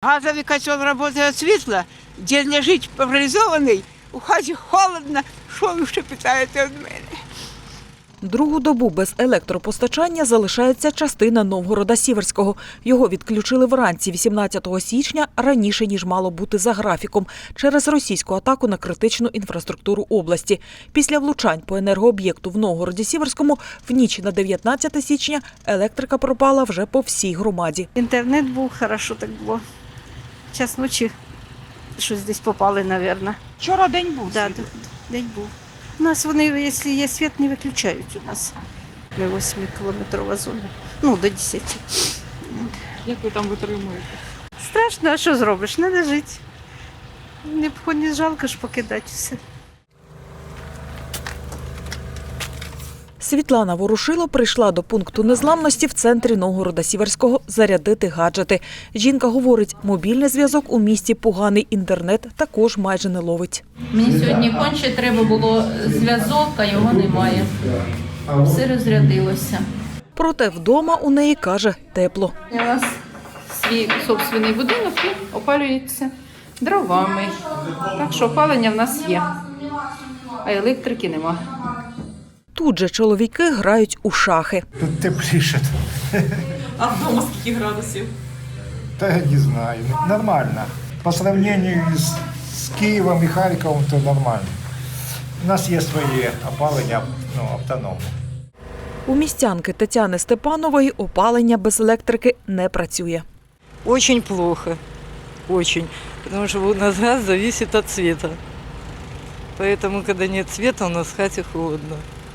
Газовий котел працює світло, де лежить паралізований, у хаті холодно, що ви ще питаєте від мене? Другу добу без електропостачання залишається частина Новгорода-Сіверського. Його відключили вранці 18 січня, раніше, ніж мало бути за графіком, через російську атаку на критичну інфраструктуру області. Після влучань по енергооб'єкту в Новгороді-Сіверському в ніч на 19 січня електрика пропала вже по всій громаді. Інтернет був, хорошо так було. Час ночі щось десь попали, мабуть. Вчора день був. Да, день був. У нас вони, якщо є світ, не виключають у нас. Ми 8-кілометрова зона, до 10. Як ви там витримуєте? Страшно, а що зробиш? Треба жити. Не жалко ж покидати все. Світлана Ворушило прийшла до пункту незламності в центрі Новгорода-Сіверського зарядити гаджети. Жінка говорить, мобільний зв'язок у місті поганий, інтернет також майже не ловить. Мені сьогодні конче треба було зв'язок, а його немає. Все розрядилося. Проте вдома у неї, каже, тепло. У нас свій собственний будинок і опалюється дровами. Так що опалення в нас є, а електрики немає. Тут же чоловіки грають у шахи. Тут тепліше. А вдома скільки градусів? Та я не знаю. Нормально. По сравнению з Києвом і Харковом, то нормально. У нас є своє опалення, автономне. У містянки Тетяни Степанової опалення без електрики не працює. Очень плохо, очень, потому что у нас газ зависит от цвета. Поэтому, когда нет цвета, у нас в хате холодно.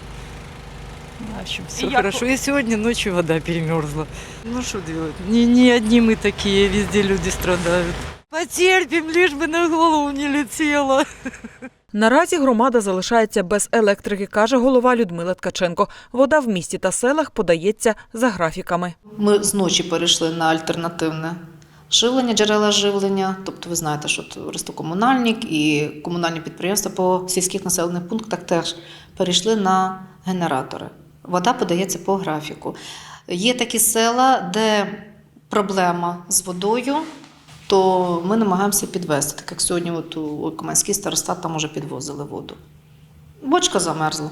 В общем, все хорошо. И сегодня ночью вода перемерзла. Ну что делать? Не одни мы такие, везде люди страдают. Потерпим, лишь бы на голову не летело. Наразі громада залишається без електрики, каже голова Людмила Ткаченко. Вода в місті та селах подається за графіками. Ми зночі перейшли на альтернативне живлення, джерела живлення. Тобто ви знаєте, що Ростокомунальник і комунальні підприємства по сільських населених пунктах теж перейшли на генератори. Вода подається по графіку. Є такі села, де проблема з водою, то ми намагаємося підвести. Так як сьогодні у Кам'янський старостат там уже підвозили воду. Бочка замерзла.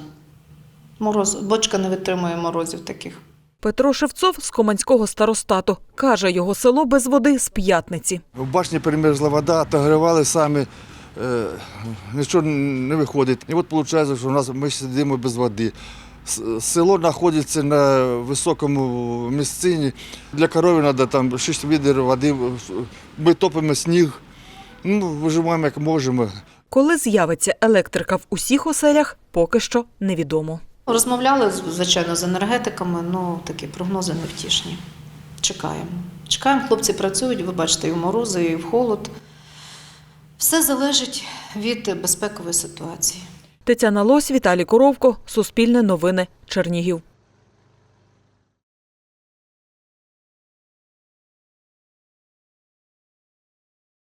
Бочка не витримує морозів таких. Петро Шевцов з Команського старостату. Каже, його село без води з п'ятниці. В башні перемерзла вода, отогрівали самі, нічого не виходить. І от виходить, що ми сидимо без води. Село знаходиться на високому місцині. Для корови треба там 6 відер води, ми топимо сніг, виживаємо як можемо. Коли з'явиться електрика в усіх оселях, поки що невідомо. Розмовляли, звичайно, з енергетиками, такі прогнози невтішні. Чекаємо. Чекаємо, хлопці працюють, ви бачите, і в морози, і в холод. Все залежить від безпекової ситуації. Тетяна Лось, Віталій Коровко, Суспільне новини, Чернігів.